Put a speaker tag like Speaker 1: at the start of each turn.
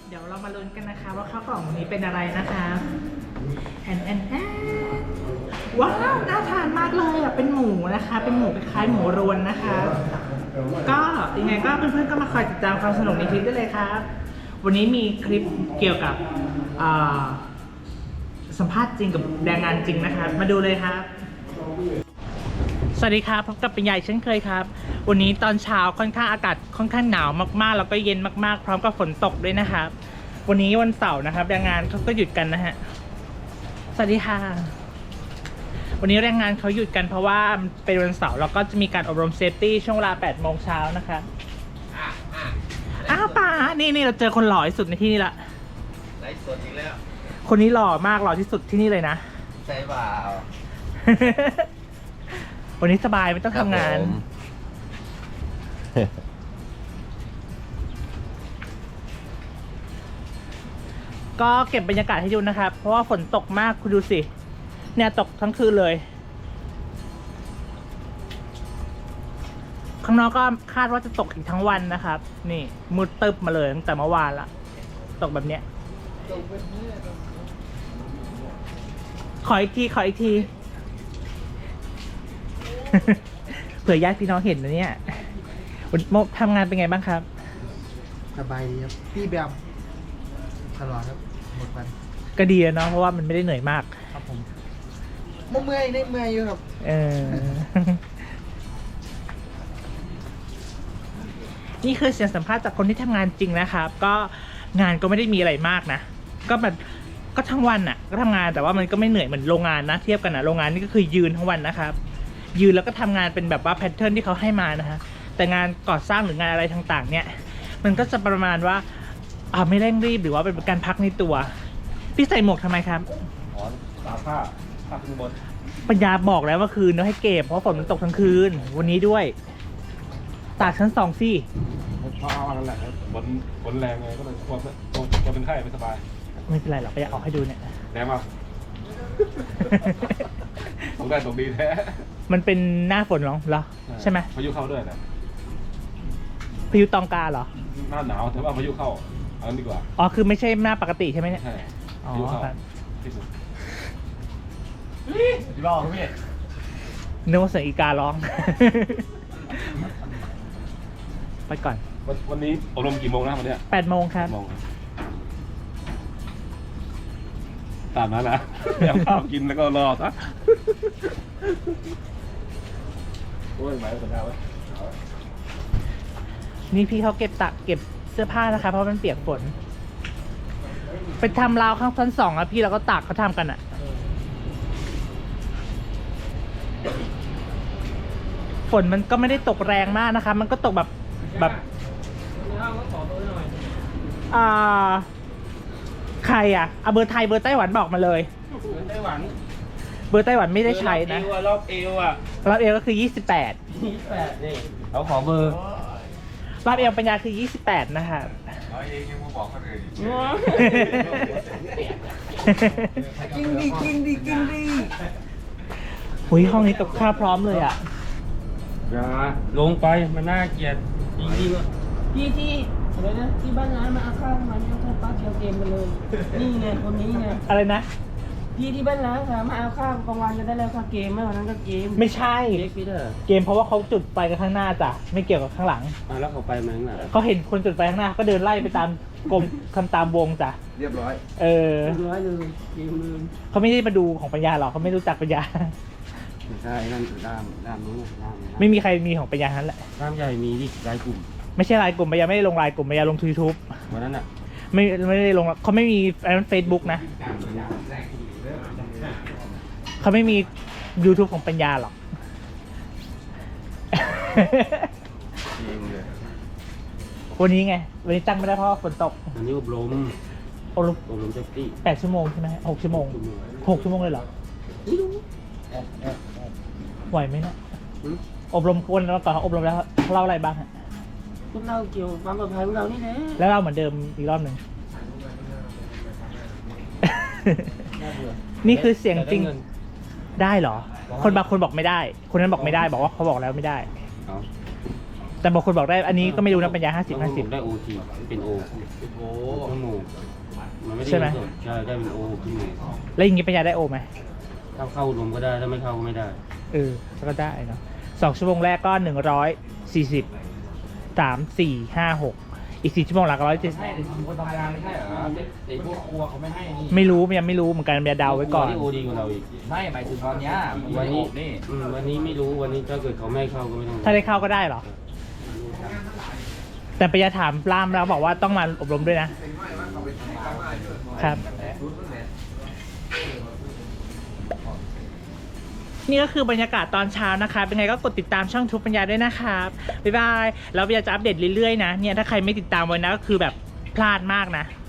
Speaker 1: เดี๋ยวเรามาลุ้นกันนะคะว่าข้าวกล่องวันนี้เป็นอะไรนะคะแอนว้าวน่าทานมากเลยอ่ะเป็นหมูนะคะเป็นหมูคล้ายๆหมูรวนนะคะก็ยังไงก็เพื่อนๆก็มาคอยติดตามความสนุกในคลิปได้เลยครับวันนี้มีคลิปเกี่ยวกับสัมภาษณ์จริงกับแรงงานจริงนะคะมาดูเลยครับสวัสดีครับพบกับเป็นใหญ่เช่นเคยครับวันนี้ตอนเช้าค่อนข้างอากาศค่อนข้างหนาวมากๆแล้วก็เย็นมากๆพร้อมกับฝนตกด้วยนะครับวันนี้วันเสาร์นะครับแรงงานเขาก็หยุดกันนะฮะสวัสดีค่ะวันนี้แรงงานเขาหยุดกันเพราะว่าเป็นวันเสาร์แล้วก็จะมีการอบรมเซฟตี้ช่วงเวลา 8 โมงเช้านะคะอ้าวป่านี่เราเจอคนหล่อที่สุดในที่นี่ละ
Speaker 2: ไลฟ์สดอีกแล้ว
Speaker 1: คนนี้หล่อมากหล่อที่สุดที่นี่เลยนะ
Speaker 2: ใช่เปล่า
Speaker 1: วันนี้สบายไม่ต้องทำงานก็เก็บบรรยากาศให้ดูนะครับเพราะว่าฝนตกมากคุณดูสิเนี่ยตกทั้งคืนเลยข้างนอกก็คาดว่าจะตกอีกทั้งวันนะครับนี่มืดตึบมาเลยตั้งแต่เมื่อวานละตกแบบเนี้ยขออีกทีเผื่อญาติพี่น้องเห็นนะเนี่ยทำงานเป็นไงบ้างครับ
Speaker 3: สบายดีครับพี่แบบตลอดครับหมดวัน
Speaker 1: ก็ดีเนาะเพราะว่ามันไม่ได้เหนื่อยมาก
Speaker 3: ครับผมเมื่อยอยู่ครับ
Speaker 1: นี่คือเสียงสัมภาษณ์จากคนที่ทำงานจริงนะครับก็งานก็ไม่ได้มีอะไรมากนะก็แบบก็ทั้งวันอ่ะก็ทำงานแต่ว่ามันก็ไม่เหนื่อยเหมือนโรงงานนะเทียบกันนะโรงงานนี่ก็คือยืนทั้งวันนะครับยืนแล้วก็ทำงานเป็นแบบว่าแพทเทิร์นที่เขาให้มานะฮะแต่งานก่อสร้างหรืองานอะไรต่างๆเนี่ยมันก็จะประมาณว่าไม่เร่งรีบหรือว่าเป็นการพักในตัวพี่ใส่หมวกทำไมครับ
Speaker 2: อ๋อตากผ้าขึ้นบน
Speaker 1: ปัญญาบอกแล้วว่าคืนเราให้เก็บเพราะฝนมันตกทั้งคืนวันนี้ด้วยตากชั้น2สิ
Speaker 2: เพราะนั่นแหละฝนแรงไงก็เลยกลัวเป็นไข้ไม่สบาย
Speaker 1: ไม่เป็นไรหรอกไปอยากเอาให้ดูเนี่ย
Speaker 2: แรงมากตกได้ตกดีแท้
Speaker 1: มันเป็นหน้าฝนเหรอใช่ไหม
Speaker 2: พายุเข้าด้วยนะ
Speaker 1: พายุตองกาเหรอ
Speaker 2: หน้าหนาวแต่ว่าพายุเข้าเอาดีกว่า
Speaker 1: อ๋อคือไม่ใช่หน้าปกติใช่ไหมเนี่ย
Speaker 2: ใช่
Speaker 1: อ๋อครับ
Speaker 2: ที่สุด
Speaker 3: พี่บอกพี่
Speaker 1: นึกว่าเสียงอีการ้องไปก่อน
Speaker 2: วันนี้อบรมกี่โมงนะวันนี้
Speaker 1: 8 โมงครับ
Speaker 2: ตามนั้นนะเอาข้าวกินแล้วก็รอซะโอ้ยหมายถึงอะไร
Speaker 1: นี่พี่เขาเก็บเสื้อผ้านะคะเพราะมันเปียกฝนไปทำราวข้างชั้น2อ่ะพี่เราก็ตากเขาทำกันอ่ะฝนมันก็ไม่ได้ตกแรงมากนะคะมันก็ตกแบบใครอ่ะเอาเบอร์ไทยเบอร์ไต้หวันบอกมาเลย
Speaker 2: เบอร์ไต้หวัน
Speaker 1: ไม่ได้ใช้นะ
Speaker 2: รอบเอว
Speaker 1: ก็คือ28
Speaker 2: นี่เขาขอเบอร์
Speaker 1: รอบเอวปัญญาคือ28นะคะ
Speaker 2: เองยังมาบอกเขาเลย
Speaker 3: กินดี
Speaker 1: หุยห้องนี้กับข้าวพร้อมเลยอ่ะ
Speaker 2: อย่าลงไปมันน่าเกลียดจริงๆ
Speaker 4: ที่อะไรนะที่บ้านร้านมาเอาข้าวมาเนี่ยข้าวปลาเคียวเกมกันเลยนี่ไงคนนี้ไง
Speaker 1: อะไรนะ
Speaker 4: พี่ที่บ้านร้านค่ะมาเอาข้าวกลางวันจะได้แล้วค่ะเกมเมื่อวันนั้นก็เกม
Speaker 1: ไม่ใช่เกมเพราะว่าเขาจุดไฟกันข้างหน้าจ้ะไม่เกี่ยวกับข้างหลัง
Speaker 2: แล้วเขาไปมั้งล่ะ
Speaker 1: เขาเห็นคนจุดไฟข้างหน้าก็เดินไล่ไปตามกลมคำตามวงจ้ะ
Speaker 2: เรียบร้อย
Speaker 4: เรียบร้อยเลยเกมเลย
Speaker 1: เขาไม่ได้มาดูของปัญญาหรอกเขาไม่รู้จักปัญญา
Speaker 2: ไม่ใช่นั่นด้ามนู้น
Speaker 1: ไม่มีใครมีของปัญญาทั้นแหละ
Speaker 2: ด้ามใหญ่มีดิรายกลุ่ม
Speaker 1: ไม่ใช่รายกลุ่มปัญญาไม่ได้ลงรายกลุ่มปัญญาลง YouTube
Speaker 2: วันนั้นอ่ะ
Speaker 1: ไม่ได้ลงเขาไม่มีเฟซบุ๊กนะเขาไม่มี YouTube ของปัญญาหรอกวันนี้ไงวันนี้ตั้งไม่ได้เพราะฝนตก
Speaker 2: วันนี้อบรมเซฟตี้
Speaker 1: 8 ชั่วโมงใช่ไหม6 ชั่วโมง6 ชั่วโมงเลยเหรอไหวไหมเนี่ยอบรมคนแล้วก่อนอบรมแล้วเล่าอะไรบ้างฮะ
Speaker 4: พวกเราเกี่ยวกับความปลอดภัยของเรานี่แหละ
Speaker 1: แล้วเราเหมือนเดิมอีกรอบหนึ่งนี่คือเสียงจริงได้เหรอคนบางคนบอกไม่ได้คนนั้นบอกไม่ได้บอกว่าเขาบอกแล้วไม่ได้แต่บางคนบอกได้อันนี้ก็ไม่รู้นะปัญญา
Speaker 5: บางคนผมได้
Speaker 1: 50-50
Speaker 5: โอทีเป็นโอชั่วโมงมันไม่ได้
Speaker 1: ใช่ไหม
Speaker 5: เงินสดใช่ได้เป็นโอชั่วโมง
Speaker 1: แล้วอย่างงี้ปัญญาได้โอไหม
Speaker 5: ถ้าเข้ารวมก็ได้ถ้าไม่เข้าก็ไม่ได้
Speaker 1: ก็ได้เนาะ2 ชั่วโมงแรกก็140 3 4 5 6อีก4 ชั่วโมงหลังก็170
Speaker 2: คนทำงานไม่ใช่เหรอไอ้พวกครัวเขาไม่ให้นี่
Speaker 1: ไม่รู้ยังไม่รู้เหมือนกันปัญญาเดาไว้ก่อน
Speaker 5: โอดีกว่าเราอีก
Speaker 2: ไม่หมายถึงตอนเนี้ย
Speaker 5: วันนี้
Speaker 2: นี่
Speaker 5: วันนี้ไม่รู้วันนี้ถ้าเกิดเขาไม่ให้เข้าก็ไม่ต้อง
Speaker 1: ถ้าได้เข้าก็ได้เหรอ แต่ปัญญาถามปล้ามแล้วบอกว่าต้องมาอบรมด้วยนะ ครับ นี่ก็คือบรรยากาศตอนเช้านะคะ เป็นไงก็กดติดตามช่องทุกปัญญาด้วยนะครับ บ๊ายบาย แล้วปัญญาจะอัปเดตเรื่อยๆนะ เนี่ยถ้าใครไม่ติดตามไว้นะก็คือแบบพลาดมากนะ